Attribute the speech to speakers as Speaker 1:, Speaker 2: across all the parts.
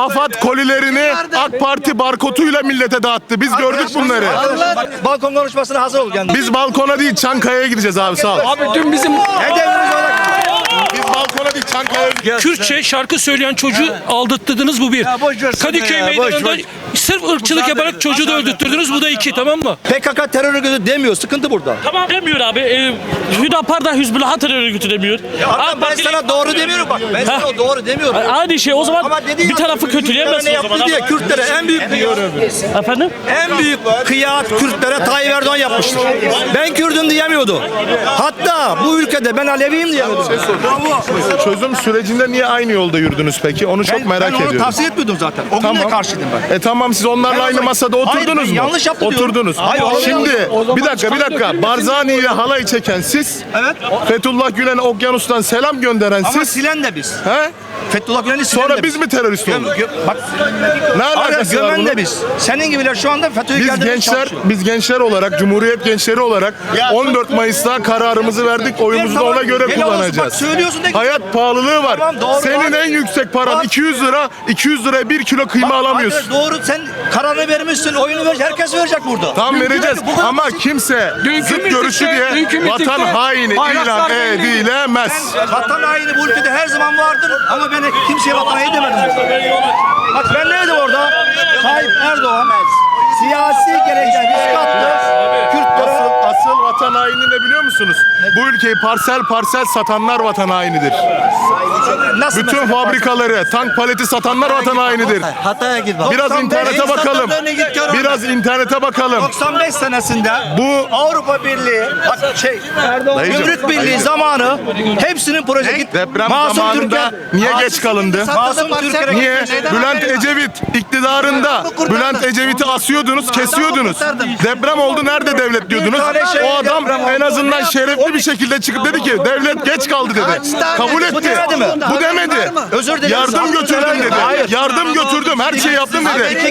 Speaker 1: AFAD kolilerini AK Parti barkoduyla millete dağıttı. Biz gördük bunları.
Speaker 2: Balkon konuşmasına hazır ol kendin.
Speaker 1: Biz balkona değil Çankaya'ya gideceğiz abi, sağ ol.
Speaker 3: Abi dün bizim
Speaker 1: Biz balkona değil Çankaya'ya gideceğiz.
Speaker 3: Kürtçe şarkı söyleyen çocuğu aldırttırdınız, bu bir. Kadıköy meydanında sırf ırkçılık yaparak çocuğu da öldürttürdünüz, bu da iki, tamam mı?
Speaker 2: PKK terör örgütü demiyor. Sıkıntı burada.
Speaker 4: Tamam demiyor abi. Hüdapar da Hizbullah terör örgütü demiyor.
Speaker 2: Ben sana doğru demiyorum bak. Ben sana doğru demiyorum.
Speaker 4: Aynı şey o zaman
Speaker 2: Ama dediğin
Speaker 4: bir tarafı kötüleyemezsin o zaman.
Speaker 2: diye Kürtlere en büyük
Speaker 4: Efendim?
Speaker 2: en büyük kıyamet Kürtlere Tayyip Erdoğan yapmıştır. Ben Kürdüm diyemiyordu. Hatta bu ülkede ben Aleviyim diyemiyordu.
Speaker 1: Çözüm sürecinde niye aynı yolda yürüdünüz peki? Onu çok merak
Speaker 2: Ben onu
Speaker 1: ediyorum.
Speaker 2: tavsiye etmiyordum zaten. O gün de karşıydım ben.
Speaker 1: Tamam, siz onlarla
Speaker 2: Ben o
Speaker 1: aynı
Speaker 2: zaman-
Speaker 1: masada
Speaker 2: Hayır,
Speaker 1: oturdunuz
Speaker 2: ben
Speaker 1: mu?
Speaker 2: yanlış yaptı diyorum.
Speaker 1: Oturdunuz.
Speaker 2: Hayır,
Speaker 1: Şimdi bir dakika
Speaker 3: dökülmesin
Speaker 1: Barzani ile halay çeken siz,
Speaker 2: Evet.
Speaker 1: Fethullah Gülen'e okyanustan selam gönderen
Speaker 2: Ama
Speaker 1: siz.
Speaker 2: silen de biz.
Speaker 1: He?
Speaker 2: Fethullah Gülen'i silen
Speaker 1: Sonra
Speaker 2: de
Speaker 1: biz mi terörist olduk?
Speaker 2: Bak
Speaker 1: Ne
Speaker 2: Arya
Speaker 1: alakası var
Speaker 2: gömen
Speaker 1: bunun?
Speaker 2: de biz. Senin gibiler şu anda FETÖ'yü
Speaker 1: Biz gençler olarak, Cumhuriyet gençleri olarak 14 Mayıs'ta kararımızı verdik. Oyumuzu da ona göre
Speaker 2: Helal olsun,
Speaker 1: kullanacağız.
Speaker 2: bak söylüyorsun da-
Speaker 1: Hayat pahalılığı var.
Speaker 2: Tamam, doğru,
Speaker 1: Senin
Speaker 2: var.
Speaker 1: en yüksek paran
Speaker 2: Var.
Speaker 1: 200 lira. 200 liraya 1 kilo kıyma alamıyorsun.
Speaker 2: Hayır, doğru, sen kararını vermişsin. Oyunu ver, herkes verecek burada.
Speaker 1: Tam vereceğiz
Speaker 2: Bu kadar
Speaker 1: ama
Speaker 2: basit.
Speaker 1: kimse zıt görüşü diye
Speaker 3: dünkü mitingde
Speaker 1: vatan haini
Speaker 3: bayraklar
Speaker 1: ilan
Speaker 3: belliydi.
Speaker 1: edilemez.
Speaker 2: Vatan haini bu ülkede her zaman vardır ama ben kimseye vatan haini demedim. Bak ben neydim orada? Tayyip Erdoğan siyasi gerekçe risk attı. Kürtlere
Speaker 1: Asıl vatan haini ne biliyor musunuz? Bu ülkeyi parsel parsel satanlar vatan hainidir.
Speaker 2: nasıl
Speaker 1: Bütün
Speaker 2: mesela-
Speaker 1: fabrikaları, tank paleti satanlar vatan hainidir.
Speaker 5: Hataya git bak.
Speaker 1: Biraz
Speaker 2: 95
Speaker 1: internete bakalım. Biraz internete bakalım.
Speaker 2: 95 senesinde
Speaker 1: Bu
Speaker 2: Avrupa Birliği, bak
Speaker 1: Dayıcım,
Speaker 2: Gümrük Birliği zamanı hepsinin proje git.
Speaker 1: deprem
Speaker 2: Masum
Speaker 1: zamanında niye geç kalındı?
Speaker 2: Masum Türker'e
Speaker 1: Niye? Bülent Ecevit iktidarında Bülent Ecevit'i asıyordunuz, kesiyordunuz. Deprem oldu, nerede devlet diyordunuz. O adam en azından şerefli bir şekilde çıkıp dedi ki devlet geç kaldı dedi. Kabul etti.
Speaker 2: demedi mi?
Speaker 1: Bu demedi.
Speaker 2: Özür dilerim.
Speaker 1: Yardım götürdüm dedi.
Speaker 2: Hayır.
Speaker 1: Yardım götürdüm, her şeyi yaptım dedi.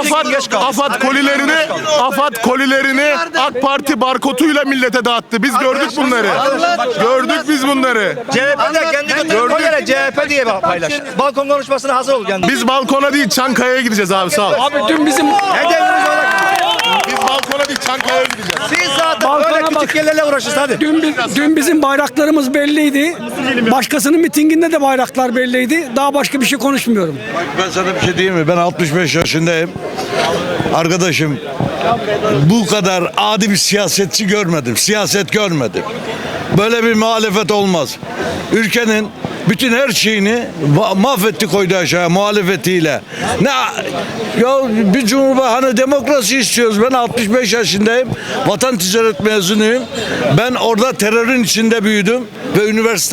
Speaker 1: AFAD kolilerini AK Parti barkoduyla millete dağıttı. Biz gördük bunları. Gördük biz bunları.
Speaker 2: CHP'de kendi götürüp koy yere CHP diye paylaş. Balkon konuşmasına hazır ol kendin.
Speaker 1: Biz balkona değil Çankaya'ya gideceğiz abi, sağ ol.
Speaker 3: Abi dün bizim
Speaker 2: Hedefimiz olarak
Speaker 1: Biz balkona değil Çankaya'ya gideceğiz.
Speaker 2: siz zaten
Speaker 3: Balkona
Speaker 2: böyle
Speaker 3: bak.
Speaker 2: küçük yerlerle uğraşırsın hadi.
Speaker 3: dün bizim bayraklarımız belliydi. Başkasının mitinginde de bayraklar belliydi. Daha başka bir şey konuşmuyorum.
Speaker 6: Ben sana bir şey diyeyim mi? Ben 65 yaşındayım. Arkadaşım, bu kadar adi bir siyasetçi görmedim. Siyaset görmedim. Böyle bir muhalefet olmaz. Ülkenin bütün her şeyini mahvetti, koydu aşağıya muhalefetiyle. Ne ya, bir cumhurbaşkanı demokrasi istiyoruz. Ben 65 yaşındayım. Vatan ticaret mezunuyum. Ben orada terörün içinde büyüdüm ve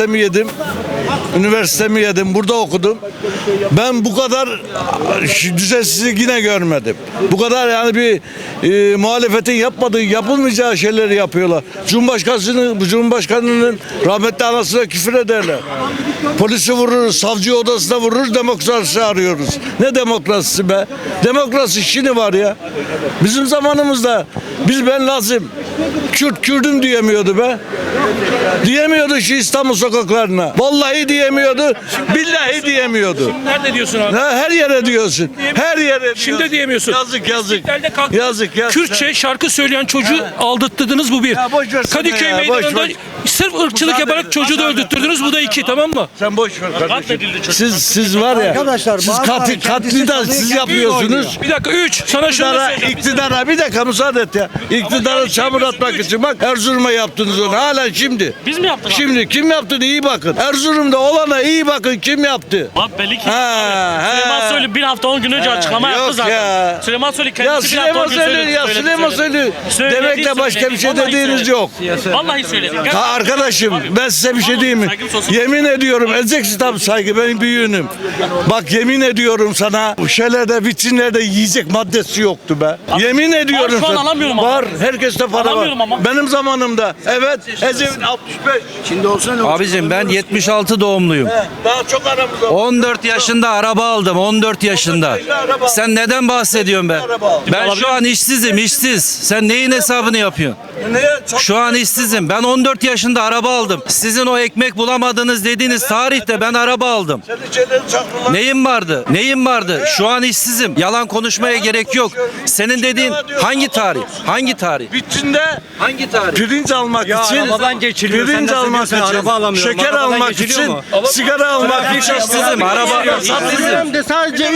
Speaker 6: üniversitemi yedim. Burada okudum. Ben bu kadar düzensizlik yine görmedim. Bu kadar yani bir muhalefetin yapılmayacağı şeyleri yapıyorlar. Cumhurbaşkanının rahmetli anasına küfür ederler. Polisi vururuz, savcı odasına vururuz, demokrasi arıyoruz. Ne demokrasisi be? Demokrasi Çin'i var ya. Bizim zamanımızda ben Lazım, Kürdüm diyemiyordu be. Diyemiyordu şu İstanbul sokaklarına. Vallahi diyemiyordu, billahi diyemiyordu.
Speaker 3: Nerede diyorsun abi?
Speaker 6: Her yere diyorsun. Her yere diyorsun.
Speaker 3: Şimdi diyemiyorsun.
Speaker 6: Yazık.
Speaker 3: İstiklal'de kalktınız.
Speaker 6: Yazık.
Speaker 3: Kürtçe şarkı söyleyen çocuğu aldırttırdınız, bu bir.
Speaker 6: Ya boş ver sen
Speaker 3: Kadıköy
Speaker 6: ya,
Speaker 3: meydanında
Speaker 6: boş ver.
Speaker 3: sırf ırkçılık
Speaker 6: Müsaade
Speaker 3: yaparak
Speaker 6: edin.
Speaker 3: çocuğu da öldürttürdünüz, bu da iki, tamam mı?
Speaker 6: Sen boş ver kardeşim. Siz var ya.
Speaker 5: Arkadaşlar,
Speaker 6: Siz
Speaker 5: bazıları
Speaker 6: katli de
Speaker 5: kendisi
Speaker 6: siz
Speaker 5: çalıyor,
Speaker 6: yapıyorsunuz.
Speaker 3: Bir dakika, sana şunu da söyleyeyim.
Speaker 6: İktidara bir dakika müsaade et ya. İktidara çamur atmak için bak Erzurum'a yaptınız onu. Hala şimdi.
Speaker 4: Biz mi yaptık?
Speaker 6: Şimdi kim yaptı iyi bakın. Erzurum'da olana iyi bakın kim yaptı.
Speaker 4: Abi belli ki.
Speaker 6: Ha,
Speaker 4: Süleyman Soylu bir hafta 10 gün önce açıklama yaptı
Speaker 6: yok
Speaker 4: zaten.
Speaker 6: ya.
Speaker 4: Süleyman Soylu
Speaker 6: Ya
Speaker 4: kendisi bir hafta 10
Speaker 6: Süleyman
Speaker 4: gün
Speaker 6: Soylu, Süleyman Soylu demek de başka bir şey dediğiniz yok.
Speaker 4: Vallahi söyledi.
Speaker 6: Ha arkadaşım ben size bir şey diyeyim mi? Yemin ediyorum edeceksin tabii saygı, benim büyüğünüm. Bak yemin ediyorum sana bu şeylerde vitrinlerde yiyecek maddesi yoktu be. Yemin ediyorum
Speaker 4: şu an
Speaker 6: sana.
Speaker 4: alamıyorum ama.
Speaker 6: Var, herkeste para var.
Speaker 4: Alamıyorum ama.
Speaker 6: Benim zamanımda evet Ecevit 65. Şimdi olsa ne olur?
Speaker 7: Abicim ben 76 doğumluyum.
Speaker 6: Daha çok aramız var.
Speaker 7: 14 yaşında araba aldım. 14 yaşında. Sen neden bahsediyorsun be? Ben şu an işsizim, işsiz. Sen neyin hesabını yapıyorsun? Şu an işsizim. Ben 14 yaşında yaşında araba aldım. Sizin o ekmek bulamadınız dediğiniz tarihte ben araba aldım. Neyim vardı? Neyim vardı? Şu an işsizim. Yalan konuşmaya gerek yok. Senin dediğin hangi tarih? Hangi tarih?
Speaker 6: Bütçünde
Speaker 7: Hangi tarih?
Speaker 6: pirinç almak için,
Speaker 5: arabadan geçiliyor. Sen
Speaker 6: pirinç
Speaker 5: nasıl
Speaker 6: almak
Speaker 5: diyorsun,
Speaker 6: için,
Speaker 5: araba alamıyorum.
Speaker 6: şeker
Speaker 5: Arabadan
Speaker 6: almak
Speaker 5: geçiliyor
Speaker 6: için,
Speaker 5: mu?
Speaker 6: sigara almak için.
Speaker 7: İşsizim. Araba işsizim.
Speaker 8: de sadece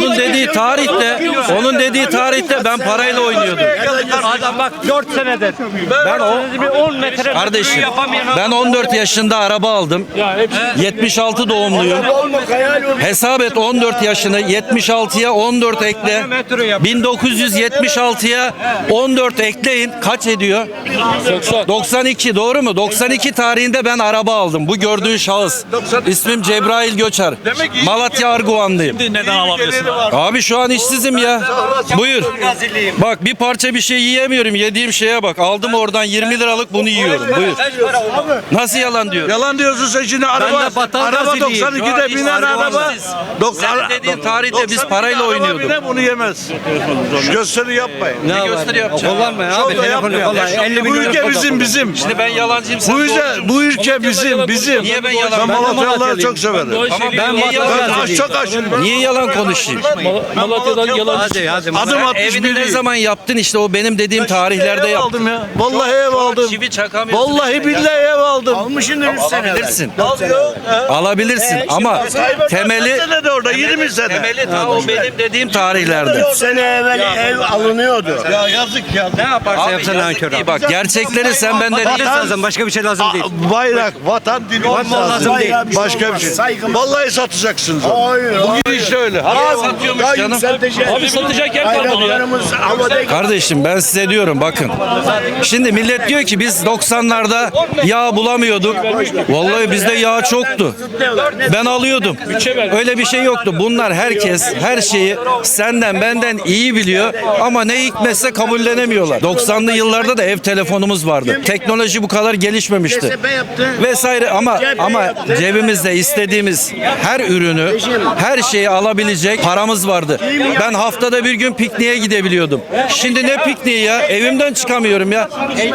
Speaker 7: Onun dediği tarihte ben parayla oynuyordum.
Speaker 5: Adam bak 4 senedir.
Speaker 7: Ben o
Speaker 5: 10 metre
Speaker 7: kardeşim ben 14 yaşında araba aldım. 76 doğumluyum. Hesap et 14 yaşını 76'ya 14 ekle. 1976'ya 14 ekleyin kaç ediyor? 92 doğru mu? 92 tarihinde ben araba aldım. Bu gördüğün şahıs. İsmim Cebrail Göçer. Malatya Arguvanlıyım.
Speaker 4: Neden alamıyorsun?
Speaker 7: Abi şu an işsizim ya. Buyur. Bak bir parça bir şey yiyemiyorum. Yediğim şeye bak. Aldım oradan 20 liralık bunu yiyorum. Buyur. Nasıl yalan diyor?
Speaker 6: Yalan diyorsun sen şimdi araba.
Speaker 5: de Batan
Speaker 6: Araba
Speaker 5: Gaziliyim.
Speaker 6: 92'de binen araba.
Speaker 7: Sen dediğin tarihte biz parayla oynuyorduk.
Speaker 6: Bunu yemez. Gösteri yapmayın.
Speaker 7: Ne gösteri yapacağım?
Speaker 5: Kullanma ya abi. Telefonu kullan. 50
Speaker 6: Bu
Speaker 5: milyon
Speaker 6: ülke bizim.
Speaker 7: Şimdi ben yalancıyım sen
Speaker 6: Bu ülke bizim.
Speaker 7: Niye ben
Speaker 6: Ben
Speaker 7: yalan?
Speaker 6: Malatyalıları çok severim.
Speaker 7: Ama
Speaker 5: Ben
Speaker 7: niye yalan?
Speaker 6: Ben çok açım.
Speaker 7: Niye yalan konuşayım?
Speaker 3: Malatya'dan yalan.
Speaker 5: Hadi.
Speaker 6: Adım
Speaker 7: Sen evini ne
Speaker 6: 61.
Speaker 7: zaman yaptın işte o benim dediğim tarihlerde
Speaker 6: Ev
Speaker 7: yaptın.
Speaker 6: aldım ya. Vallahi ev aldım.
Speaker 7: Çivi çakamıyorsun.
Speaker 6: Vallahi billahi ev aldım.
Speaker 7: Alabilirsin. Alabilirsin ama temeli
Speaker 6: Senede orada 20 sene.
Speaker 7: temeli ta o benim dediğim tarihlerde.
Speaker 8: sene evvel ev alınıyordu.
Speaker 6: Ya yazık ya.
Speaker 5: Ne yaparsa
Speaker 7: Abi
Speaker 5: yapsın
Speaker 7: yazık
Speaker 5: nankör
Speaker 7: değil,
Speaker 5: abi.
Speaker 7: bak gerçekleri sen benden değil.
Speaker 5: Lazım. Başka bir şey lazım değil.
Speaker 6: Bayrak, vatan, dil olmaz
Speaker 5: lazım değil.
Speaker 6: Başka bir şey. Vallahi satacaksınız onu.
Speaker 8: Hayır.
Speaker 6: Bugün işte öyle.
Speaker 7: Satıyormuş canım.
Speaker 3: Abi satacak yer kalmadı ya.
Speaker 8: Bayraklarımız havada
Speaker 7: Kardeşim ben size diyorum bakın. Şimdi millet diyor ki biz 90'larda yağ bulamıyorduk. Vallahi bizde yağ çoktu. Ben alıyordum. Öyle bir şey yoktu. Bunlar herkes her şeyi senden benden iyi biliyor ama ne hikmetse kabullenemiyorlar. 90'lı yıllarda da ev telefonumuz vardı. Teknoloji bu kadar gelişmemişti.
Speaker 8: tepe yaptı.
Speaker 7: Vesaire ama cebimizde istediğimiz her ürünü, her şeyi alabilecek paramız vardı. Ben haftada bir gün pikniğe gidebiliyordum. Şimdi ne pikniği ya? Evimden çıkamıyorum ya.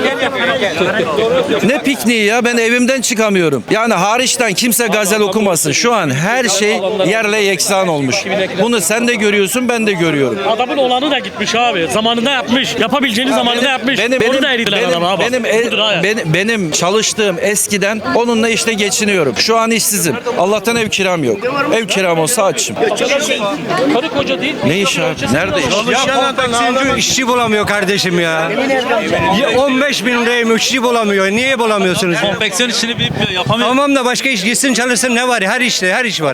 Speaker 7: Ne pikniği ya? Ben evimden çıkamıyorum. Yani hariçten kimse gazel okumasın. Şu an her şey yerle yeksan olmuş. Bunu sen de görüyorsun, ben de görüyorum.
Speaker 4: Adamın olanı da gitmiş abi. Zamanında yapmış. Yapabileceğini zamanında yapmış. Onu da eritiler adama abi. Budur ha.
Speaker 7: Benim çalıştığım eskiden onunla işte geçiniyorum. Şu an işsizim. Allah'tan ev kiram yok. Ev kiram olsa açım.
Speaker 3: Karı koca değil.
Speaker 7: Ne iş abi? Nerede iş?
Speaker 5: Ya konfeksiyoncu işçi bulamıyor kardeşim ya. 15 bin liraya işçi bulamıyor. Niye bulamıyorsunuz? ya?
Speaker 4: Konfeksiyon işini bilmiyor. Yapamıyor.
Speaker 5: Tamam da başka iş gitsin çalışsın ne var ya? Her işte her iş var.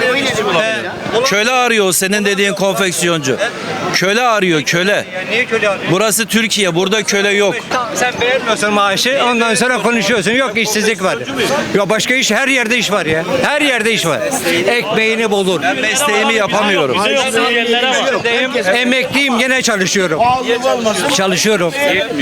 Speaker 7: Köle arıyor o senin dediğin konfeksiyoncu. Köle arıyor köle.
Speaker 5: Niye köle arıyor?
Speaker 7: Burası Türkiye. Burada köle yok.
Speaker 5: Sen beğenmiyorsun maaşı ondan sonra konuşuyorsun. Yok işsizlik var. Ya başka iş her yerde iş var ya. Her yerde iş var. Ekmeğini bulur.
Speaker 7: Ben mesleğimi yapamıyorum.
Speaker 5: Emekliyim gene çalışıyorum. Çalışıyorum.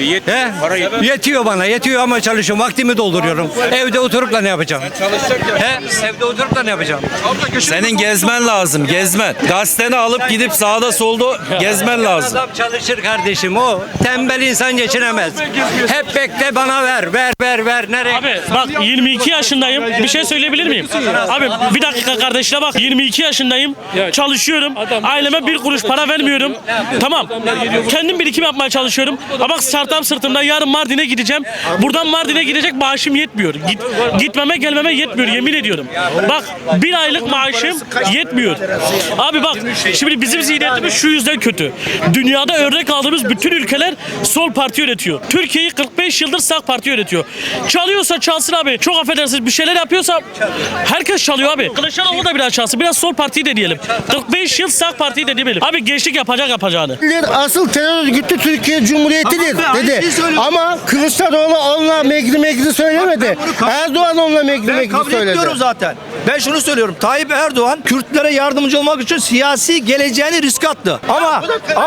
Speaker 5: Yetiyor bana yetiyor ama çalışıyorum. Vaktimi dolduruyorum. Evde oturup da ne yapacağım? Evde oturup da ne yapacağım?
Speaker 7: Senin gezmen lazım. Gezmen. Gazeteni alıp gidip sağda solda gezmen lazım.
Speaker 5: Adam çalışır kardeşim o. Tembel insan geçinemez. Hep bekle bana ver. Ver. Nereye?
Speaker 4: Abi bak 22 yaşındayım. Bir şey söyleyebilir miyim? Abi bir dakika kardeşine bak. 22 yaşındayım. Çalışıyorum. Aileme bir kuruş para vermiyorum. Tamam. Kendim birikim yapmaya çalışıyorum. Ama bak startup sırtımda yarın Mardin'e gideceğim. Buradan Mardin'e gidecek maaşım yetmiyor. Gitmeme gelmeme yetmiyor yemin ediyorum. Bak bir aylık maaşım yetmiyor. Abi bak şimdi bizim zihniyetimiz şu yüzden kötü. Dünyada örnek aldığımız bütün ülkeler sol parti yönetiyor. Türkiye'yi 45 yıldır sağ parti yönetiyor. Çalıyorsa çalsın abi. Çok affedersiniz bir şeyler yapıyorsa herkes çalıyor abi. Kılıçdaroğlu da biraz çalsın. Biraz sol partiyi deneyelim. 45 yıl sağ partiyi deneyelim. Abi gençlik yapacağını.
Speaker 8: Asıl terör örgütü Türkiye Cumhuriyeti'dir dedi. Ama Kılıçdaroğlu onunla megri söylemedi. Erdoğan onunla megri
Speaker 2: Kabul
Speaker 8: söyledi.
Speaker 2: ediyorum zaten. Ben şunu söylüyorum. Tayyip Erdoğan Kürtlere yardımcı olmak için siyasi geleceğini riske attı. Ama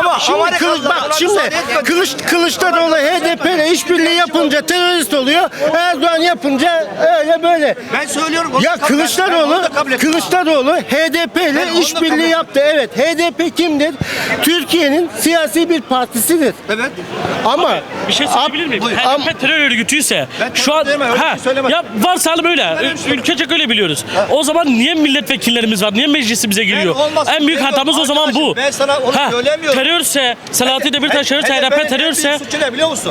Speaker 8: Kılıçdaroğlu HDP ile işbirliği yapınca terörist oluyor. Erdoğan yapınca öyle böyle.
Speaker 2: ben söylüyorum.
Speaker 8: Ya Kılıçdaroğlu HDP ile işbirliği yaptı. Evet. HDP kimdir? Türkiye'nin siyasi bir partisidir.
Speaker 2: Evet.
Speaker 8: Ama
Speaker 4: Bir şey söyleyebilir miyim?
Speaker 2: Buyur.
Speaker 4: HDP terör örgütüyse
Speaker 2: Ben
Speaker 4: şu an
Speaker 2: terör deme, öyle bir şey söylemedim.
Speaker 4: ya varsayalım öyle. Ülkecek öyle biliyoruz. O zaman niye milletvekillerimiz var? Niye meclisimize giriyor?
Speaker 2: olmasın,
Speaker 4: En büyük
Speaker 2: ben
Speaker 4: hatamız o zaman bu.
Speaker 2: arkadaşım, ben sana onu söylemiyorum.
Speaker 4: Terörse, Selahattin Demirtaş terörse, HDP terörse
Speaker 2: suçu ne biliyor musun?